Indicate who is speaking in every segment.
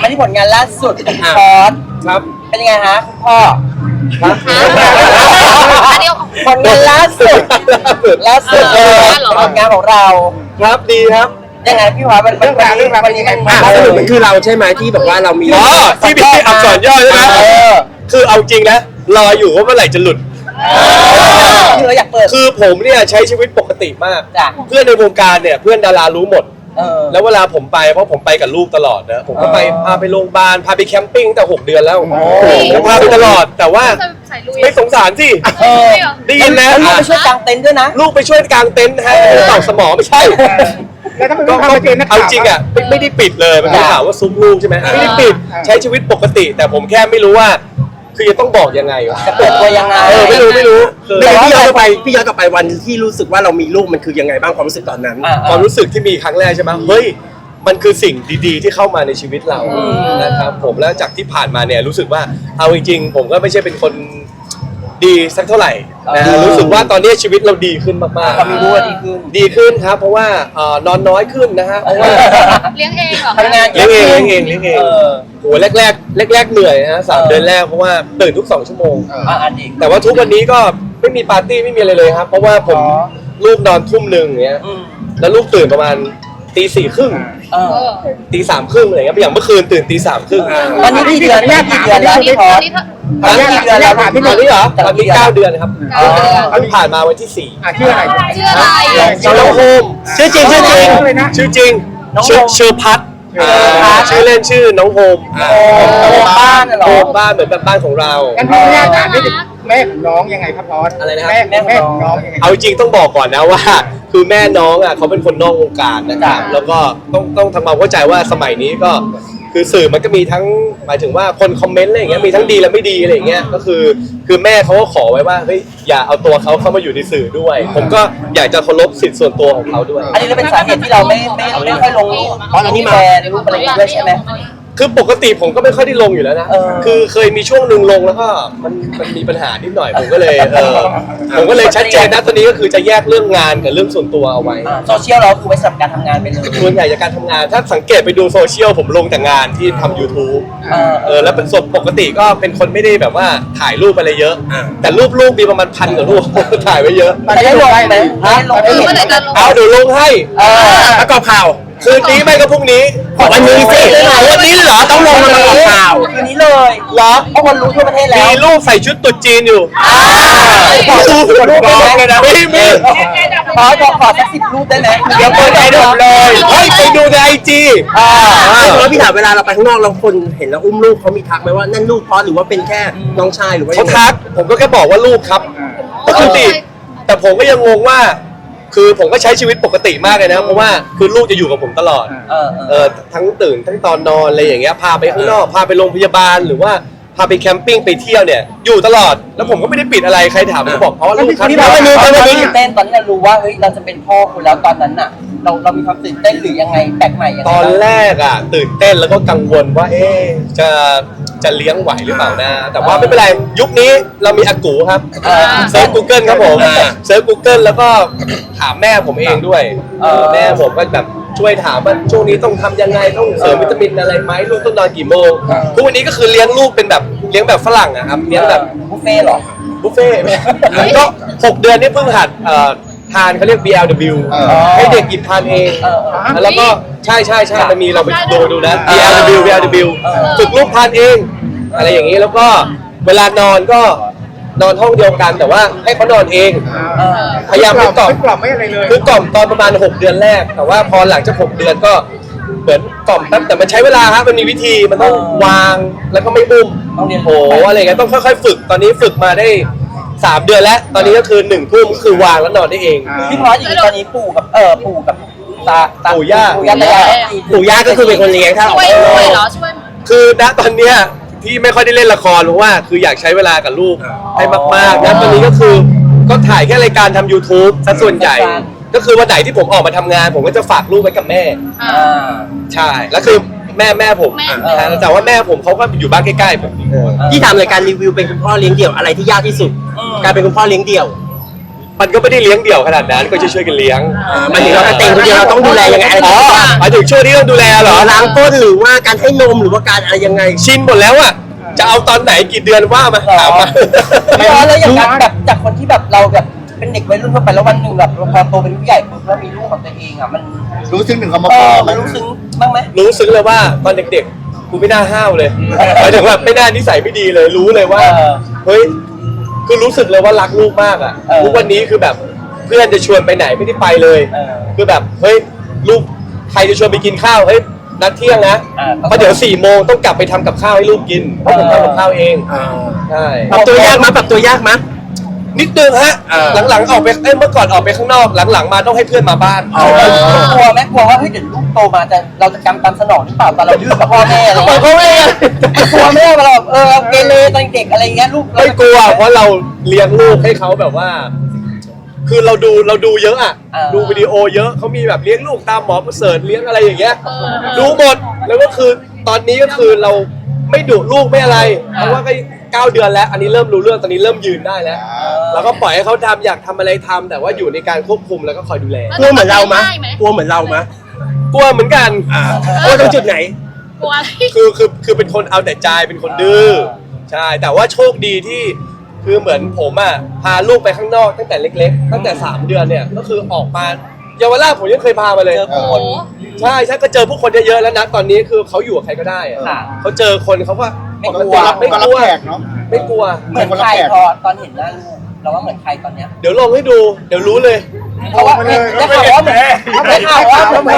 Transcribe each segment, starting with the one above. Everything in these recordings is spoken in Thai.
Speaker 1: มาที่ผลงานล่าสุดคอร์ส
Speaker 2: ครับ
Speaker 1: เป็นยังไงฮะคุณพ่อผลงานล่าสุดเลยผลงานของเรา
Speaker 2: ครับดีครับ
Speaker 1: ยังไงพี่พอสวันนี้
Speaker 2: สรุปมันคือเราใช่ไหมที่แบบว่าเรามีที่มีอักษรย่อใช่ไหมคือเอาจริงนะรออยู่ว่าเมื่อไหร่จะหลุด
Speaker 1: คือเราอยากเปิด
Speaker 2: คือผมเนี่ยใช้ชีวิตปกติมากเพื่อนในวงการเนี่ยเพื่อนดารารู้หมดแล้วเวลาผมไปเพราะผมไปกับลูกตลอดนะผมก็ไปพาไปโรงพยาบาลพาไปแคมปิ้งตั้งแต่6 เดือนแล้วพาไปตลอดแต่ว่าไม่สงสารสิได้ยินนะ
Speaker 1: ลูกไปช่วยกางเต็นท์ด้วยนะ
Speaker 2: ลูกไปช่วยกางเต็นท์ฮะต่อสมอไม่ใช่ก็เอาจริงอ่ะไม่ได้ปิดเลยมันเป็นข่าวว่าซุ้มลูกใช่ไหมไม่ได้ปิดใช้ชีวิตปกติแต่ผมแค่ไม่รู้ว่าคือจะต้องบอกยังไงวะ
Speaker 1: จะเปิดตัวยังไง
Speaker 2: ไม่รู้
Speaker 3: พี่ย้อนกลับไปวันที่รู้สึกว่าเรามีลูกมันคือยังไงบ้างความรู้สึกตอนนั้น
Speaker 2: ความรู้สึกที่มีครั้งแรกใช่ไหมเฮ้ยมันคือสิ่งดีๆที่เข้ามาในชีวิตเรานะครับผมแล้วจากที่ผ่านมาเนี่ยรู้สึกว่าเอาจริงๆผมก็ไม่ใช่เป็นคนดีสักเท่าไหร่นะรู้สึกว่าตอนนี้ชีวิตเราดีขึ้นมาก
Speaker 1: ๆมีรู้ว่า
Speaker 2: ดีขึ้นครับเพราะว่านอนน้อยขึ้นนะฮะเพราะว่า
Speaker 4: เลี้ยงเองเหรอ
Speaker 1: ทำงาน
Speaker 2: เลี้ยงเองโหแรกเหนื่อยนะ3 เดือนแรกเพราะว่าตื่นทุก2 ชั่วโมงแต่ว่าทุกวันนี้ก็ไม่มีปาร์ตี้ไม่มีอะไรเลยครับเพราะว่าผมลูกนอนทุ่ม 1อย่างเงี้ยแล้วลูกตื่นประมาณตี 4 ครึ่งตี 3 ครึ่งอะไรเงี้ยอย่างเมื่อคืนตื่นตี 3 ครึ่ง
Speaker 1: ตอนนี้กี่เดือนแล้วพี่พอส
Speaker 2: ตอนนี้กี่เดือนแล้วตอนนี้เหรอตอนนี้9 เดือนครับเพิ่งผ่านมาวันที่4
Speaker 3: ชื่ออะไร
Speaker 2: น้องโฮมชื่อจริงเชอร์พัทชื่อเล่นชื่อน้องโฮม
Speaker 1: บ้านเหรอ
Speaker 2: โฮมบ้านเหมือนแบบบ้านของเรา
Speaker 3: กันพี่แม่ถามนี่แม่ของน้องยังไงครับพอส
Speaker 2: อะไรนะครับ
Speaker 3: แม่ของน้องยังไง
Speaker 2: เอาจริงต้องบอกก่อนนะว่าคือแม่น้องอ่ะเขาเป็นคนนอกวงการนะครับแล้วก็ต้องทำความเข้าใจว่าสมัยนี้ก็คือสื่อมันก็มีทั้งหมายถึงว่าคนคอมเมนต์อะไรอย่างเงี้ยมีทั้งดีและไม่ดีอะไรอย่างเงี้ยก็คือแม่เขาก็ขอไว้ว่าเฮ้ยอย่าเอาตัวเขาเข้ามาอยู่ในสื่อด้วยผมก็อยากจะเคารพสิทธิส่วนตัวของเขาด้วย
Speaker 1: อันนี้เป็นสาเหตุที่เราไม่ค่อยลงรูปเพราะเรามีแฟนรูปอะไรด้วยใช่ไหม
Speaker 2: คือปกติผมก็ไม่ค่อยได้ลงอยู่แล้วนะคือเคยมีช่วงหนึ่งลงแล้วก็มันมีปัญหานิดหน่อยผมก็เลยชัดเจนนะตอนนี้ก็คือจะแยกเรื่องงานกับเรื่องส่วนตัวเอาไว้
Speaker 1: โซเชียลเราคือไว้สำหรับการทำงานเป็น
Speaker 2: ส่วนใหญ่จากการทำงานถ้าสังเกตไปดูโซเชียลผมลงแต่งานที่ทำ YouTube แล้วเป็นส่วนปกติก็เป็นคนไม่ได้แบบว่าถ่ายรูปอะไรเยอะแต่รูปมีประมาณ1,000 กว่ารูปถ่ายไว้เยอะ
Speaker 1: ได้ลงไหม
Speaker 2: เอาเดี๋ยวลงให้
Speaker 3: ประกอบข่าว
Speaker 2: คืนนี้ไม่ก็พรุ่งนี้
Speaker 3: วันนี้สิวันนี้เหรอต้องลงมาประกอบข่าว
Speaker 1: คืนนี้เลย
Speaker 2: เหรอ
Speaker 1: เพราะคนรู้ทั่วประเทศแล้ว
Speaker 2: มีรูปใส่ชุดตุ๊ดจีนอยู่
Speaker 1: รูป
Speaker 2: เลยนะมี
Speaker 1: ขอสัก10 รูปได้ไหม
Speaker 2: เดี๋ยวเปิดใจดูเลยเฮ้ยไปดูในIG
Speaker 3: แล้วพี่ถามเวลาเราไปข้างนอกเราคนเห็นแล้วอุ้มลูกเขามีทักไหมว่านั่นลูกพอหรือว่าเป็นแค่น้องชายหรือว่า
Speaker 2: เขาทักผมก็แค่บอกว่าลูกครับปกติแต่ผมก็ยังงงว่าคือผมก็ใช้ชีวิตปกติมากเลยนะเพราะว่าคือลูกจะอยู่กับผมตลอดทั้งตื่นทั้งตอนนอนอะไรอย่างเงี้ยพาไปข้างนอกพาไปโรงพยาบาลหรือว่าพาไปแคมปิ้งไปเที่ยวเนี่ยอยู่ตลอดแล้วผมก็ไม่ได้ปิดอะไรใครถามก็บอกเพราะว่าลูกครับ
Speaker 1: ที่เราตื่นเต้นตอนที่เรารู้ว่าเฮ้ยเราจะเป็นพ่อคุณแล้วตอนนั้นน่ะเรามีความตื่นเต้นหรือยังไงแปลกใหม่ยังไง
Speaker 2: ตอนแรกอ่ะตื่นเต้นแล้วก็กังวลว่าจะเลี้ยงไหวหรือเปล่านะแต่ว่าไม่เป็นไรยุคนี้เรามีอากูครับเซิร์ช Google ครับผมเซิร์ช Google แล้วก็ถามแม่ผมเองด้วยแม่ผมก็แบบช่วยถามว่าช่วงนี้ต้องทำยังไงต้องเสริมวิตามินอะไรไหมลูกต้องนอนกี่โมงทุกวันนี้ก็คือเลี้ยงลูกเป็นแบบเลี้ยงแบบฝรั่งอะครับเลี้ยงแบบ
Speaker 1: บุฟเฟ่หรอ
Speaker 2: บุฟเฟ่ก็6 เดือนนี่เพิ่งหัดทานเขาเรียก BLW ให้เด็กกินทานเองแล้วก็ใช่มันมีเราไปดูนะ BLW ฝึกลูกทานเองอะไรอย่างนี้แล้วก็เวลานอนก็นอนห้องเดียวกันแต่ว่าให้เขานอนเองพยายามไม่กล่อม
Speaker 3: ไม่อะไรเลย
Speaker 2: คือกล่อมตอนประมาณ6 เดือนแรกแต่ว่าพอหลังจาก6 เดือนก็เหมือนกล่อมแป๊บแต่มันใช้เวลาครับมันมีวิธีมันต้องวางแล้วก็ไม่บุ้ม
Speaker 1: ต้องเรียน
Speaker 2: โอ้อะไรเงี้ยต้องค่อยๆฝึกตอนนี้ฝึกมาได้3 เดือนแล้วตอนนี้ก็คือ1 ทุ่มคือวางแล้วนอนได้เอง
Speaker 1: พี่พอสอย่างนี้ตอนนี้ปู่กับ
Speaker 2: ปู่ย่า
Speaker 3: ก็คือเป็นคนเลี้ยงถ้า
Speaker 4: ช่วยเหรอช่วย
Speaker 2: คือณตอนเนี้ยที่ไม่ค่อยได้เล่นละครเพราะว่าคืออยากใช้เวลากับลูกให้มากๆนะตอนนี้ก็คือก็ถ่ายแค่รายการทำ YouTube ซะส่วนใหญ่ก็คือวันไหนที่ผมออกมาทำงานผมก็จะฝากลูกไว้กับแม่ใช่แล้วคือแม่ผมแต่ว่าแม่ผมเขาก็อยู่บ้านใกล้ๆผม
Speaker 3: ที่ทำรายการรีวิวเป็นคุณพ่อเลี้ยงเดี่ยวอะไรที่ยากที่สุดการเป็นคุณพ่อเลี้ยงเดี่ยว
Speaker 2: มันก็ไม่ได้เลี้ยงเดี่ยวขนาดนั้นก็ช่วยๆกันเลี้ยง
Speaker 3: หมายถึงเราเต็งคนเดียวเราต้องดูแลยังไงอะไร
Speaker 2: อ๋อหมายถึงช่วงที่ต้องดูแลเหรอ
Speaker 3: ล้างก้นหรือว่าการให้นมหรือว่าการอะไรยังไง
Speaker 2: ชินหมดแล้วอะจะเอาตอนไหนกี่เดือนว่ามาถามมา
Speaker 1: พี่ออสแล้วอย่างการแบบจากคนที่แบบเราแบบเป็นเด็กวัยรุ่นเข้าไปแล้ววันหนึ่งแบบพอโตเป็นผู้ใหญ่ปุ๊บแล้วมีลูกของตัวเองอ่ะมัน
Speaker 5: รู้ซึ้งถึงคำว่า
Speaker 1: เอ
Speaker 5: พ่อ
Speaker 1: อ
Speaker 5: ไหม
Speaker 1: มันรู้ซึ้งบ้างไหม
Speaker 2: รู้ซึ้งเลยว่าตอนเด็กๆกูไม่น่าห้าวเลยหมายถึงว่าไม่น่านิสัยไม่ดีเลยรู้เลยว่า เฮ้ยคือรู้สึกเลยว่ารักลูกมากอ่ะทุกวันนี้คือแบบเพื่อนจะชวนไปไหนไม่ได้ไปเลย คือแบบเฮ้ยลูกใครจะชวนไปกินข้าวเฮ้ยนัดเที่ยงนะเพราะเดี๋ยว4 โมงต้องกลับไปทำกับข้าวให้ลูกกินเพราะผมทำกับข้าวเองใช่
Speaker 3: ปรับตัวยากมั้ยปรับตัวยากมั้ย
Speaker 2: นิดนึงฮะหลังๆออกไปเมื่อก่อนออกไปข้างนอกหลังๆมาต้องให้เพื่อนมาบ้าน
Speaker 1: กลัวไหมกลัวว่าเฮ้ยเดี๋ยวลูกโตมาจะเราจะกำตามสนองหรือเปล่าตอนเราดื้อกับพ่อแม่อะไรเงี้ย
Speaker 2: พ่อแม่
Speaker 1: กลัวไหมว่าเราเกเรตอนเด็กอะไรเงี้ยลูก
Speaker 2: ไม่กลัวเพราะเราเลี้ยงลูกให้เขาแบบว่า คือเราดูเยอะอ่ะดูวิดีโอเยอะเขามีแบบเลี้ยงลูกตามหมอประเสริฐเลี้ยงอะไรอย่างเงี้ยดูหมดแล้วก็คือตอนนี้ก็คือเราไม่ดุลูกไม่อะไรเพราะว่าก็9 เดือนแล้วอันนี้เริ่มรู้เรื่องตอนนี้เริ่มยืนได้แล้วเราก็ปล่อยให้เขาทำอยากทำอะไรทำแต่ว่าอยู่ในการควบคุมแล้วก็คอยดูแล
Speaker 3: กลัวเหมือนเรามั้ยกลัวเหมือนเรามั้ย
Speaker 2: กลัวเหมือนกัน
Speaker 3: กลัวตรงจุดไหน
Speaker 4: กลัวอะไร
Speaker 2: คือเป็นคนเอาแต่ใจเป็นคนดื้อใช่แต่ว่าโชคดีที่คือเหมือนผมอ่ะพาลูกไปข้างนอกตั้งแต่เล็กๆตั้งแต่3 เดือนเนี่ยก็คือออกมาเยาวราชผมยังเคยพามาเลย
Speaker 4: โอ้โห
Speaker 2: ใช่ก็เจอผู้คนเยอะๆแล้วนะตอนนี้คือเขาอยู่กับใครก็ได้อะเขาเจอคนเขาก็
Speaker 1: ไม่กลัว
Speaker 2: ไม่
Speaker 5: ก็
Speaker 2: ก
Speaker 5: รับ
Speaker 2: ลัว
Speaker 5: แขกเนาะ
Speaker 2: ไม่กลัว
Speaker 1: เหมือนใครพอตอนเห็นหน้าลูกเราว่าเหมือนใครตอนเนี้ย
Speaker 2: เดี๋ยวลองให้ดูเดี๋ยวรู้เลย
Speaker 1: เพราะว่าได้ข่าวว่าเหมือนได้ข่าวว่าเหมือน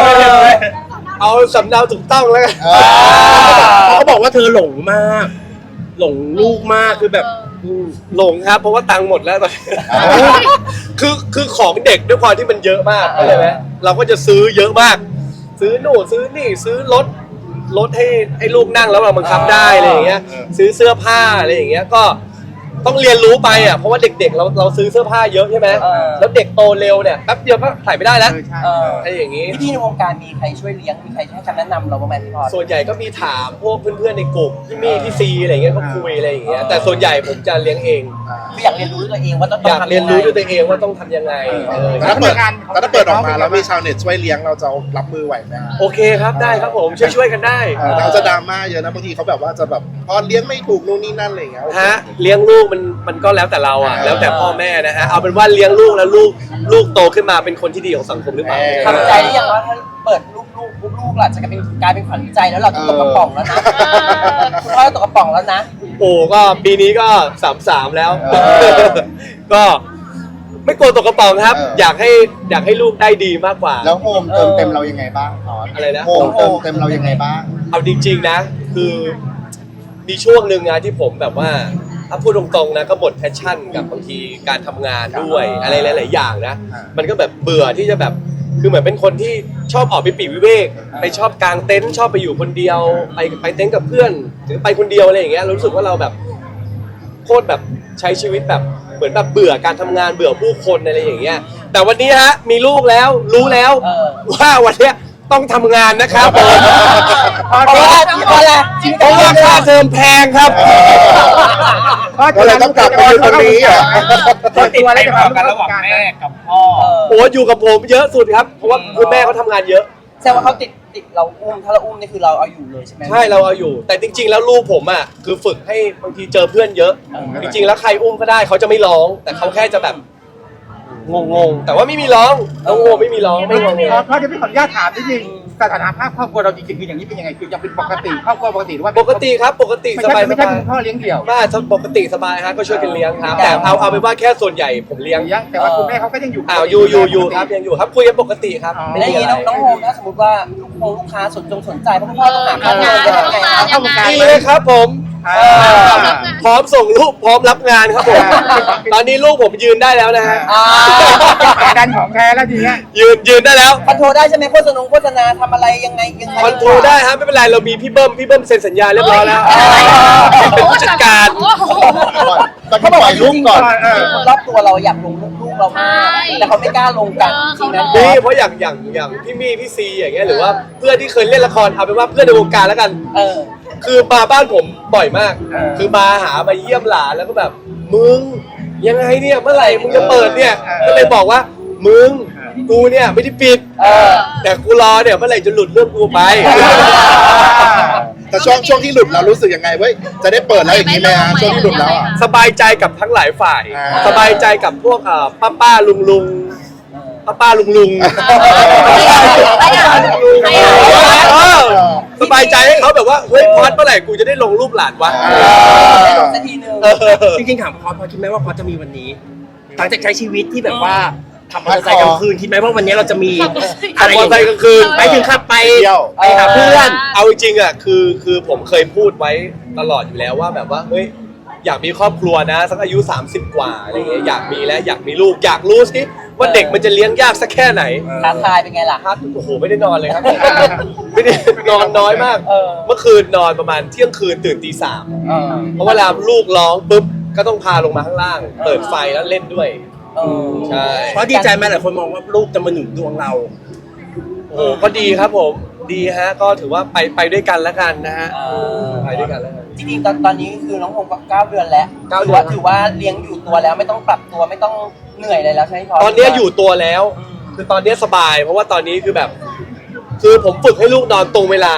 Speaker 2: เอาสำเนาถูกต้องแล้วกัน
Speaker 3: เขาบอกว่าเธอหลงมาก หลงลูกมากคือแบบ
Speaker 2: หลงครับเพราะว่าตังค์หมดแล้วตอนนี้คือของเด็กด้วยความที่มันเยอะมากเข้าใจไหมเราก็จะซื้อเยอะมาก ซื้อโน่นซื้อนี่ซื้อรถให้ลูกนั่งแล้วเราบังคับได้อะไรอย่างเงี้ยซื้อเสื้อผ้าอะไรอย่างเงี้ยก็ต้องเรียนรู้ไปอ่ะเพราะว่าเด็กๆเราซื้อเสื้อผ้าเยอะใช่ไหมแล้วเด็กโตเร็วเนี่ยแป๊บเดียวก็ใส่ไม่ได้แล้วอะไรอย่างงี้
Speaker 1: พี่ในวงการมีใครช่วยเลี้ยงมีใครให้คำแนะนำเราบ้างไหมพี่พอ
Speaker 2: ส่วนใหญ่ก็มีถามพวกเพื่อนๆในกลุ่มพี่มี่พี่ซีอะไรอย่างเงี้ยก็คุยอะไรอย่างเงี้ยแต่ส่วนใหญ่ผมจะเลี้ยงเอง
Speaker 1: คืออยากเรียนรู้ด้วยตัวเองว่าต้อง
Speaker 2: อยาก
Speaker 1: ทำ
Speaker 2: เรียนรู้ด้วยตัวเองว่าต้องทำยังไง
Speaker 5: ถ้าเปิดออกมาแล้วมีชาวเน็ตช่วยเลี้ยงเราจะรับมือไหวไหม
Speaker 2: โอเคครับได้ครับผมช่วยกันได้
Speaker 5: เราจะดราม่าเยอะนะบางทีเขาแบบว่าจะแบบพอเลี้ยงไม่ถูกนู่นนี่นั่นอะไรอย่างเงี้ย
Speaker 2: ฮะเลี้ยงลูกมันก็แล้วแต่เราอ่ะแล้วแต่พ่อแม่นะฮะเอาเป็นว่าเลี้ยงลูกแล้วลูกโตขึ้นมาเป็นคนที่ดีของสังคมหรือเปล่า
Speaker 1: ทำใจหรือยังว่าถ้าเปิดลูกหล่ะจะกลายเป็นขวัญใจแล้วเราจะตกกระป๋องแล้วนะคุณพ่อตกกระป๋องแล้วนะ
Speaker 2: โอ้ก็ปีนี้ก็33แล้ว ก็ไม่กลัวตกกระป๋องครับ อยากให้ลูกได้ดีมากกว่า
Speaker 5: แล้วโฮมเติมเต็มเรายังไงบ้างพอ
Speaker 2: อะไรนะ
Speaker 5: โฮมเติมเต็มเรายังไงบ้าง
Speaker 2: เอาจริงๆนะคือมีช่วงหนึ่งนะที่ผมแบบว่าถ้าพูดตรงๆนะก็หมดแพชชั่นกับบางทีการทำงานด้วยอะไรหลายๆอย่างนะมันก็แบบเบื่อที่จะแบบคือเหมือนเป็นคนที่ชอบออกไปปลีกวิเวกไปชอบกางเต็นท์ชอบไปอยู่คนเดียวไปเต็นท์กับเพื่อนหรือไปคนเดียวอะไรอย่างเงี้ยรู้สึกว่าเราแบบโคตรแบบใช้ชีวิตแบบเหมือนแบบเบื่อการทำงานเบื่อผู้คนอะไรอย่างเงี้ยแต่วันนี้ฮะมีลูกแล้วรู้แล้วว่าวันเนี้ยต้องทำงานนะครับผม
Speaker 1: เพราะว่าเพราะว่า
Speaker 2: ค่าเทอมแพงครับ
Speaker 5: ก็เลยต้องกลับมาอยู่ตรงนี้อ่ะ
Speaker 6: ติดอะไรกันระหว่างแม่กับพ่อ
Speaker 2: โอ้อยู่กับผมเยอะสุดครับเพราะว่าคุณแม่เขาทำงานเยอะ
Speaker 1: แสดงว่าเขาติดเราอุ้มถ้าเราอุ้มนี่คือเราเอาอยู่เลยใช่ไหม
Speaker 2: ใช่เราเอาอยู่ แต่จริง ๆ แล้วลูกผมอ่ะคือฝึกให้บางทีเจอเพื่อนเยอะ จริงๆแล้วใครอุ้มก็ได้เขาจะไม่ร้อง แต่เขาแค่จะแบบงงๆแต่ว่าไม่มีร้องน้องโง่ไม่มีร้องไม่งง
Speaker 6: เพราะเดี๋ยวพี่ขออนุญาตถามนิดนึงสถานะภาพครอบครัวเราจริงๆคืออย่างนี้เป็นยังไงคือยังเป็นปกติครอบครัวปกติหรือว่า
Speaker 2: ปกติครับปกติ
Speaker 6: ไม่
Speaker 2: ส
Speaker 6: ใช่
Speaker 2: บาย
Speaker 6: ไม่ใช่คุณพ่อเลี้ยงเดี่ยว
Speaker 2: บ้าปกติสบายฮะก็ช่วยกันเลี้ยงครับแต่เอาเป็นว่าแค่ส่วนใหญ่ผมเลี้ยง
Speaker 6: แต่ว่าคุณแม่เขาก็ยังอยู่
Speaker 2: อยู่ครับยังอยู่ครับคุยกันปกติครับ
Speaker 1: แล้วอย่างนี้น้องโฮมถ้าสมมติว่าลูกค้าสนใจเพราะคุณพ่อต้องหาค่าเงินยังไง
Speaker 2: ดีเลยครับผมพร้อมส่งลูกพร้อมรับงานครับผมตอนนี้ลูกผมยืนได้แล้วนะฮะ
Speaker 6: ดันของแท้แล้วทีเนี้ย
Speaker 2: ยืนได้แล้ว
Speaker 1: คอนโทรลได้ใช่ไหมโฆษณาทำอะไรยังไง
Speaker 2: คอนโทรลได้ครับไม่เป็นไรเรามีพี่เบิ้มเซ็นสัญญาเรียบร้อยแล้วเป็นผู้จัดการ
Speaker 5: ตอนที่ปล่อยลูกก่อน
Speaker 1: คนรอบตัวเราอยากลงลูกเรามากแต่เขาไม่กล้าลงกันจริงนะ
Speaker 2: นี่เพราะอย่างพี่มี่พี่ซีอย่างเงี้ยหรือว่าเพื่อนที่เคยเล่นละครเอาเป็นว่าเพื่อนในวงการแล้วกันคือมาบ้านผมบ่อยมากคือมาหามาเยี่ยมหลานแล้วก็แบบมึงยังไงเนี่ยเมื่อไหร่มึงจะเปิดเนี่ยก็เลยบอกว่ามึงกูเนี่ยไม่ได้ปิดแต่กูรอเนี่ยเมื่อไหร่จะหลุดเรื่องกูไป
Speaker 5: แต่ช่วงที่หลุดเรารู้สึกยังไงเว้ยจะได้เปิดแล้วอย่างนี้ไหมฮะช่วงที่หลุดแล้วอ่ะ
Speaker 2: สบายใจกับทั้งหลายฝ่าย
Speaker 5: อ่า
Speaker 2: สบายใจกับพวกป้าลุงลุงสบายใจให้เขาแบบว่าเฮ้ยพอดเมื่อไหร่กูจะได้ลงรูปหลานวะ
Speaker 1: สักทีนึง
Speaker 3: จริงๆถามพอคิดไหมว่าพอจะมีวันนี้หลังจากใช้ชีวิตที่แบบว่าขับมอเตอร์ไซค์กลางคืนคิดไหมว่าวันนี้เราจะมี
Speaker 2: ขับมอเตอร์ไซค์กลางคืน
Speaker 3: ไปถึงขับไป
Speaker 5: เที่ยว
Speaker 3: ไปหาเพื่อน
Speaker 2: เอาจริงๆอ่ะคือผมเคยพูดไว้ตลอดอยู่แล้วว่าแบบว่าเฮ้ยอยากมีครอบครัวนะสักอายุ30 กว่าอะไรเงี้ยอยากมีแล้วอยากมีลูกอยากรู้สิว่าเด็กมันจะเลี้ยงยากสักแค่ไหน
Speaker 1: ท้าทายเป็นไงล่ะ
Speaker 2: ครับโอ้โหไม่ได้นอนเลยครับ ไม่ได้นอนน้อยมาก เมื่อคืนนอนประมาณเที่ยงคืนตื่นตี 3เพราะเวลาลูกร้องปุ๊บก็ต้องพาลงมาข้างล่าง เปิดไฟแล้วเล่นด้วยใช่
Speaker 3: เพราะดีใจไหมหลายคนมองว่าลูกจะมาหนุนดวงเรา
Speaker 2: โอ้โหก็ดีครับผมดีฮะก็ถือว่าไปด้วยกันแล้วกันนะฮะไปด้วยกันแล้วกัน
Speaker 1: จริงๆตอนนี้คือน้องพงศ์ก็9 เดือนแล้ว
Speaker 2: 9 เดือน
Speaker 1: ถือว่าเลี้ยงอยู่ตัวแล้วไม่ต้องปรับตัวไม่ต้องเหนื่อยอะไรแล้วใช่ไหมพ
Speaker 2: ตอนนี้อยู่ตัวแล้ว คือตอนนี้สบาย เพราะว่าตอนนี้คือแบบ คือผมฝึกให้ลูกนอนตรงเวลา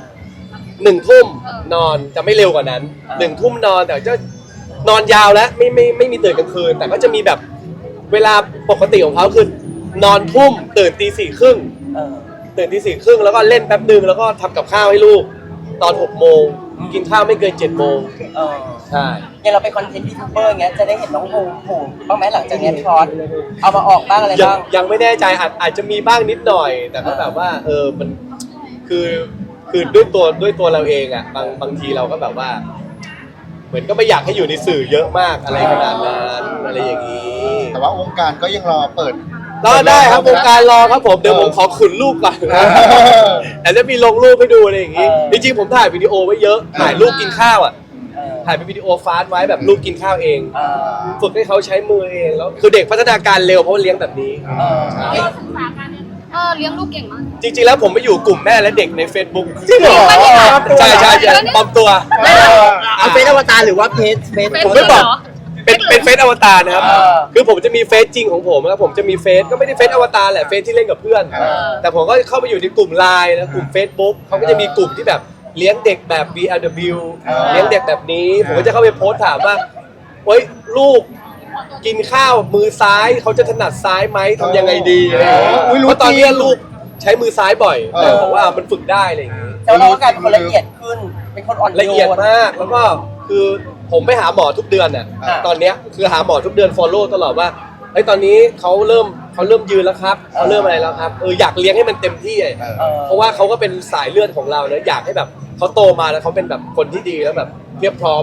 Speaker 2: 1 ทุ่มนอนจะไม่เร็วกว่านั้น1 ทุ่มนอนแต่จะนอนยาวแล้วไม่มีตื่นกลางคืน แต่ก็จะมีแบบเวลาปกติของเขาคือนอนทุ่มตื่นตี 4:30ตื่นตี 4:30แล้วก็เล่นแป๊บนึงแล้วก็ทำกับข้าวให้ลูกตอน6 โมงกินข้าวไม่เกิน7 โมงใช่
Speaker 1: อย่างเราเป็นคอนเทนต์ยูทูบเบอร์อย่างเงี้ยจะได้เห็นน้องพงศ์โผล่บ้างไหมหลังจากเนี้ยพี่พอดเอามาออกบ้างอะไรบ้าง
Speaker 2: ยังไม่แน่ใจอาจจะมีบ้างนิดหน่อย แต่ก็แบบว่ามันคือด้วยตัวเราเองอ่ะบางทีเราก็แบบว่า เหมือนก็ไม่อยากให้อยู่ในสื่อเยอะมากอะไรขนาดนั้นอะไรอย่างนี้
Speaker 5: แต่ว่าวงการก็ยังรอเปิด
Speaker 2: รอได้ครับวงการรอครับผมเดี๋ยวผมขอขุนรูปก่อนนะแต่จะมีลงรูปให้ดูอะไรอย่างนี้จริงๆผมถ่ายวิดีโอไว้เยอะถ่ายรูปกินข้าวอ่ะถ่ายเป็นวิดีโอฟาสต์ไว้แบบรูปกินข้าวเองฝึกให้เขาใช้มือเองแล้วคือเด็กพัฒนาการเร็วเพราะว่าเลี้ยงแบบนี้ใช่
Speaker 4: เลี้ยงลูกเก่งมาก
Speaker 2: จริงๆแล้วผมไปอยู่กลุ่มแม่และเด็กใน Facebook
Speaker 3: จริงเหรอ
Speaker 2: ใช่ปลอมตัว
Speaker 3: เอาเฟซอวตารหรือว่าเฟซ
Speaker 2: ผมไม่บอกเป็นเฟซอวตารนะครับคือผมจะมีเฟซจริงของผมแล้วผมจะมีเฟซก็ไม่ได้เฟซอวตารแหละเฟซที่เล่นกับเพื่อนแต่ผมก็เข้าไปอยู่ในกลุ่มไลน์แล้วกลุ่ม Facebook เขาก็จะมีกลุ่มที่แบบเลี้ยงเด็กแบบ BLW เลี้ยงเด็กแบบนี้ผมก็จะเข้าไปโพสต์ถามว่าเฮ้ยลูกกินข้าวมือซ้ายเขาจะถนัดซ้ายไหมทำยังไงดีอะไรอย่างเงี้ยเพราะตอนนี้ลูกใช้มือซ้ายบ่อยแต่บอกว่ามันฝึกได้อะไรอย่างงี้
Speaker 1: แต่ว่าเราก็กลายเป็นคนละเอียดขึ้นเป็นคนอ่อนโยน
Speaker 2: ละเอียดมากแล้วก็คือผมไปหาหมอทุกเดือนน่ะตอนเนี้ยคือหาหมอทุกเดือน follow ตลอดว่าเฮ้ยตอนนี้เขาเริ่มยืนแล้วครับเขาเริ่มอะไรแล้วครับอยากเลี้ยงให้มันเต็มที่เพราะว่าเขาก็เป็นสายเลือดของเราเนอะอยากให้แบบเขาโตมาแล้วเขาเป็นแบบคนที่ดีแล้วแบบเรียบพร้อม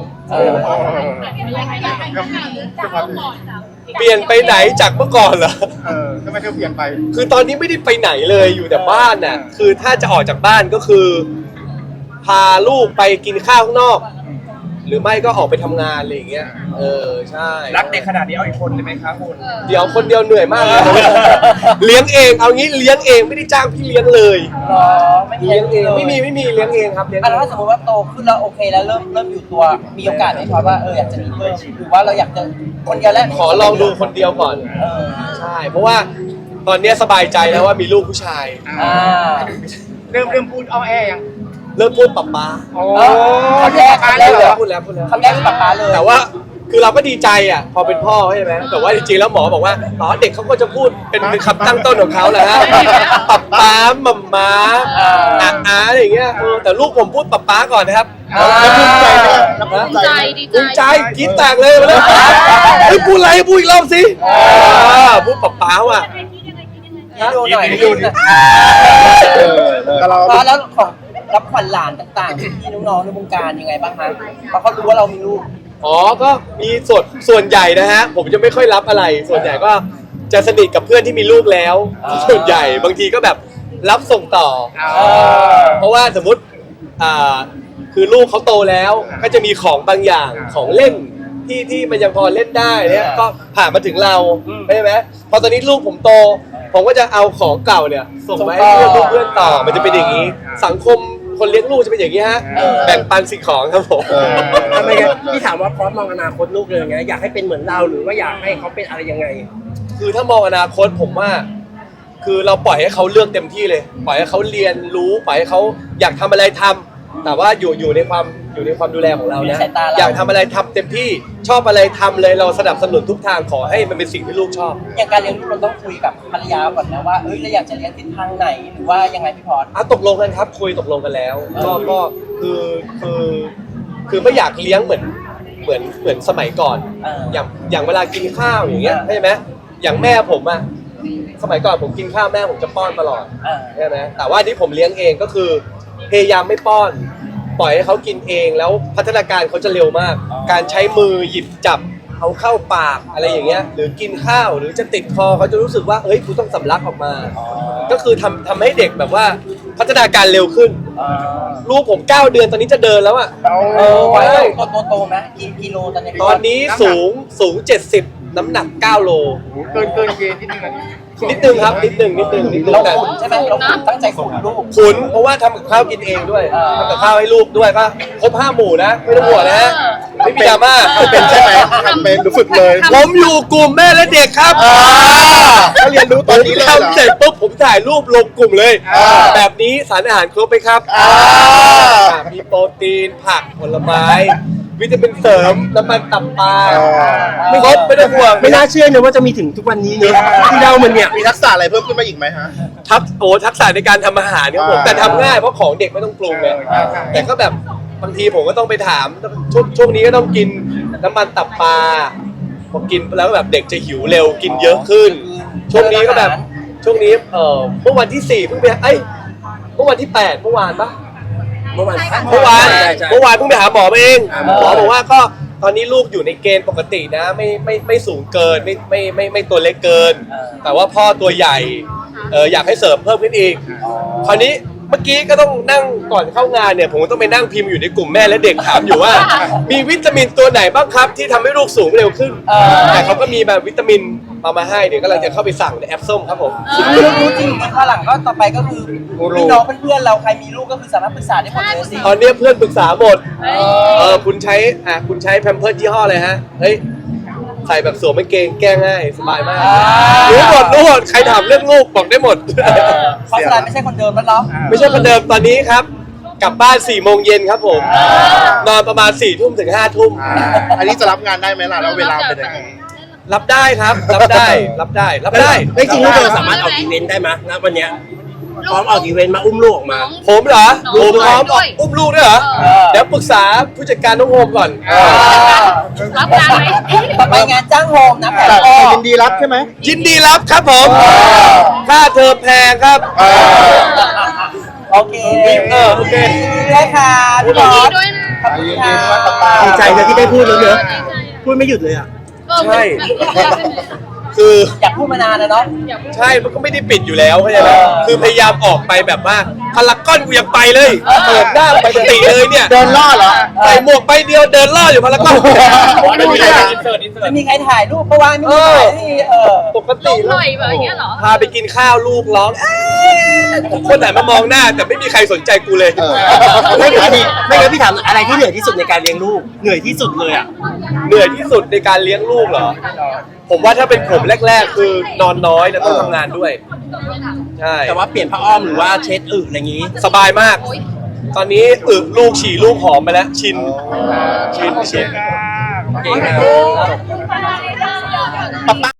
Speaker 2: เปลี่ยนไปไหนจากเมื่อก่อนเหรอ
Speaker 6: ทำไมเธอเปลี่ยนไป
Speaker 2: คือตอนนี้ไม่ได้ไปไหนเลยอยู่แต่บ้านน่ะคือถ้าจะออกจากบ้านก็คือ พาลูกไปกินข้าวข้างนอก หรือไม่ก็ออกไปทำงานอะไรอย่างเงี้ยใช่
Speaker 6: รักเด็กขนาดนี้เอาอีกคนเลยไหมครับคุณ
Speaker 2: เดี๋ยวคนเดียวเหนื่อยมากเลยเลี้ยงเองเอางี้เลี้ยงเองไม่ได้จ้างพี่เลี้ยงเลย
Speaker 1: ไม่
Speaker 2: เลี้ยงเองไม่มีเลี้ยงเองครับเลี้ยง
Speaker 1: แล้วถ้าสมมติว่าโตขึ้นแล้วโอเคแล้วเริ่มอยู่ตัวมีโอกาสไหมพอดว่าอยากจะมีเพิ่มหรือว่าเราอยากจะคนเดียวแล้ว
Speaker 2: ขอลองดูคนเดียวก่อนใช่เพราะว่าตอนนี้สบายใจแล้วว่ามีลูกผู้ชาย
Speaker 6: เริ่มพูดอ้อแอยัง
Speaker 2: เริ่มพูดป๊าป๊า
Speaker 6: โอ้
Speaker 1: คำแรก
Speaker 2: พูดแล้ว
Speaker 1: คำแรกคือป๊าป๊าเลย
Speaker 2: แต่ว่าคือเราก็ดีใจอ่ะพอเป็นพ่อใช่ไหมแต่ว่าจริงๆแล้วหมอบอกว่าเด็กเขาก็จะพูดเป็นคำตั้งต้นของเขาแหละฮะป๊าป๊ามัมม้าอาอะไรอย่างเงี้ยแต่ลูกผมพูดป๊าป๊าก่อนนะครับ
Speaker 5: แล้วภูมิใจไหม
Speaker 4: ดีใจดี
Speaker 2: ภูมิใจกรี๊ดแตกเลยมาเลยเฮ้ยพูดอะไรพูดอีกรอบสิพูดป๊าป๊าว่ะ
Speaker 1: ดูหน่อยดูหน่อย
Speaker 5: แต่เรา
Speaker 1: แล้วของรับขวัญหลานต่างๆที่น้องๆในวงการยังไงบ้างคะเพราะเขารู้ว่าเรามีลูก
Speaker 2: ก็มีส่วนใหญ่นะฮะผมจะไม่ค่อยรับอะไร ส่วนใหญ่ก็จะสนิทกับเพื่อนที่มีลูกแล้วส่วนใหญ่บางทีก็แบบรับส่งต่อเพราะว่าสมมติคือลูกเขาโตแล้วก็จะมีของบางอย่างของเล่นที่มันยังพอเล่นได้เนี่ยก็ผ่านมาถึงเราใช่ไหมพอตอนนี้ลูกผมโตผมก็จะเอาของเก่าเนี่ยส่งไปให้เพื่อนต่อมันจะเป็นอย่างนี้สังคมคนเลี้ยงลูกจะเป็นอย่างนี้ฮะแบ่งปันสิ่งของครับผม
Speaker 3: ทำไมงั้นพี่ถามว่าพอสมองอนาคตลูกเลยไงอยากให้เป็นเหมือนเราหรือว่าอยากให้เขาเป็นอะไรยังไง
Speaker 2: คือถ้ามองอนาคตผมว่า คือเราปล่อยให้เขาเลือกเต็มที่เลย ปล่อยให้เขาเรียนรู้ปล่อยให้เขาอยากทำอะไรทำแต่ว่าอยู่ในความดูแลของเรานะอยากทำอะไรทำเต็มที่ชอบอะไรทำเลยเราสนับสนุนทุกทางขอให้มันเป็นสิ่งที่ลูกชอบ
Speaker 1: อย่างการเลี้ยงลูกเราต้องคุยกับภรรยาก่อนนะว่าเราอยากจะเลี้ยงทิศทางไหนหรือว่ายังไงพี่พอส
Speaker 2: ตกลงกันครับคุยตกลงกันแล้วก็คือไม่อยากเลี้ยงเหมือนสมัยก่อนอย่างเวลากินข้าวอย่างเงี้ยใช่ไหมอย่างแม่ผมอะสมัยก่อนผมกินข้าวแม่ผมจะป้อนตลอดใช่ไหมแต่ว่าที่ผมเลี้ยงเองก็คือพยายามไม่ป้อนปล่อยให้เขากินเองแล้วพัฒนาการเขาจะเร็วมาก การใช้มือหยิบจับเอาเข้าปากอะไรอย่างเงี้ยหรือกินข้าวหรือจะติดคอเขาจะรู้สึกว่าเฮ้ยกูต้องสำลักออกมาก็คือทำให้เด็กแบบว่าพัฒนาการเร็วขึ้นลูกผม9 เดือนตอนนี้จะเดินแล้วอะ
Speaker 1: ไว้โตไหมกิโลตอนนี้
Speaker 2: ตอนนี้สูง70น้ำหนัก9 โล
Speaker 6: เกินเกณฑ์นิดนึงอะ
Speaker 2: นิดนึงครับนิดนึง
Speaker 1: เรา
Speaker 2: แต่
Speaker 1: ขุนใช่ไหมเราขุนตั้งใจขุนลูก
Speaker 2: ขุนเพราะว่าทำกับข้าวกินเองด้วยทำกับข้าวให้ลูกด้วยก็ครบ5 หมู่นะไม่ต้องห่วงนะฮะไม่มีดราม่า
Speaker 5: เป็นใช่ไหมทำเป็นรู้ฝึกเลย
Speaker 2: ผมอยู่กลุ่มแม่และเด็กครับ
Speaker 5: ก็เรียนรู้ตอนนี้เลยเหรอ
Speaker 2: ทำเสร็จปุ๊บผมถ่ายรูปลงกลุ่มเลย แบบนี้สารอาหารครบไหมครับมีโปรตีนผักผลไม้วิตามินเสริมน้ำมันตับปลาไม่ครบไม่ต้องห่วง
Speaker 3: ไม่น่าเชื่อเลยว่าจะมีถึงทุกวันนี้เนอะที่เรามันเนี่ย
Speaker 5: มีทักษะอะไรเพิ่มขึ้นมาอีกไหมฮะ
Speaker 2: ทักษะในการทำอาหารครับผมแต่ทำง่ายเพราะของเด็กไม่ต้องปรุงไงแต่ก็แบบบางทีผมก็ต้องไปถามช่วงนี้ก็ต้องกินน้ำมันตับปลาพอกินแล้วแบบเด็กจะหิวเร็วกินเยอะขึ้น ช่วงนี้ก็แบบช่วงนี้เมื่อวันที่4เพิ่งไปเมื่อวันที่8เมื่อวานปะ
Speaker 3: เมื่อวาน
Speaker 2: เพิ่งไปหาหมอมาเองหมอบอกว่าก็ตอนนี้ลูกอยู่ในเกณฑ์ปกตินะไม่สูงเกินไม่ตัวเล็กเกิน แต่ว่าพ่อตัวใหญ่อยากให้เสริมเพิ่มขึ้นอีกคราวนี้เมื่อกี้ก็ต้องนั่งก่อนเข้างานเนี่ยผมก็ต้องไปนั่งพิมพ์อยู่ในกลุ่มแม่และเด็กถามอยู่ว่า มีวิตามินตัวไหนบ้างครับที่ทำให้ลูกสูงเร็วขึ้นแต่เขาก็มีแบบวิตามินมาให้เดี๋ยวกำลังจะเข้าไปสั่งในแอปส้มครับผม
Speaker 1: รู้จริงข้างหลังก็ต่อไปก็คือพี่น้องเพื่อนเราใครมีลูกก็คือสามารถปรึกษาได้หมดเลยสิ
Speaker 2: ตอนนี้เพื่อนปรึกษาหมดคุณใช้แพมเพิร์สยี่ห้ออะไรฮะเฮ้ยใส่แบบสวมกางเกงแก้ง่ายสบายมากรู้หมดใครถามเรื่องลูกบอกได้หมด
Speaker 1: เพราะฉะนั้นไม่ใช่คนเดิมแล้วเนาะ
Speaker 2: ไม่ใช่คนเดิมตอนนี้ครับกลับบ้าน4 โมงเย็นครับผมนอนประมาณ4 ทุ่มถึง5 ทุ่ม
Speaker 5: อันนี้จะรับงานได้ไหมล่ะแล้วเวลาเป็นยังไง
Speaker 2: รับได้ครับรับได้
Speaker 3: ไม่จริงลูกเราสามารถออกอีเวนต์ได้ไหมณวันเนี้ยพร้อมออกอีเวนต์มาอุ้มลูกออกมา
Speaker 2: ผมเหรอ
Speaker 4: น้อง
Speaker 2: ผมพร้อม
Speaker 4: ด้วย
Speaker 2: อุ้มลูกด้วยเหรอเดี๋ยวปรึกษาผู้จัดการน้องโฮมก่อน
Speaker 4: รับงานไหม
Speaker 1: ต่อไปงานจ้างโฮมนะแผน
Speaker 5: แต่
Speaker 1: พ่อ
Speaker 5: ยินดีรับใช่ไหม
Speaker 2: ยินดีรับครับผมค่าเทอมแพงครับ
Speaker 1: โอเค
Speaker 2: โอเค
Speaker 1: ได้ค่ะพี่บอ
Speaker 4: ดี
Speaker 1: ส
Speaker 4: ด้วยนะ
Speaker 1: ขอบคุณค่ะ
Speaker 3: ดีใจเลยที่ได้พูดแล้วเนอะพูดไม่หยุดเลยอ่ะ
Speaker 2: ใช่ คือ
Speaker 1: อยากพูดมานานแล้วเนาะ
Speaker 2: ใช่มันก็ไม่ได้ปิดอยู่แล้วเข้าใจไหมคือพยายามออกไปแบบว่าพารากอนกูยังไปเลยเปิดหน้าปกติเลยเนี่ย
Speaker 5: เดินล่อเหรอ
Speaker 2: ใส่หมวกใบเดียวเดินล่ออยู่พารากอน
Speaker 1: ไม่มีใครจะมีใครถ่ายรูปเพราะว่าไม่มีถ่ายที่
Speaker 2: ปก
Speaker 4: ล
Speaker 2: ติ
Speaker 4: งหน่อยแบบเงี้ยเหรอ
Speaker 2: พาไปกินข้าวลูกร้องทุกคนแต่มามองหน้าแต่ไม่มีใครสนใจกูเลย
Speaker 3: ไม่งั้นพี่ถามอะไรที่เหนื่อยที่สุดในการเลี้ยงลูกเหนื่อยที่สุดเลยอ่ะ
Speaker 2: เหนื่อยที่สุดในการเลี้ยงลูกเหรอผมว่าถ้าเป็นผมแรก ๆ คือนอนน้อยแล้วต้องทำงานด้วยใช่
Speaker 3: แต่ว่าเปลี่ยนผ้าอ้อมหรือว่าเช็ดอึอะไรอย่างงี้
Speaker 2: สบายมาก ตอนนี้ลูกฉี่ลูกหอมไปแล้วชิน
Speaker 3: เก่งมาก
Speaker 5: ป๊าป๊า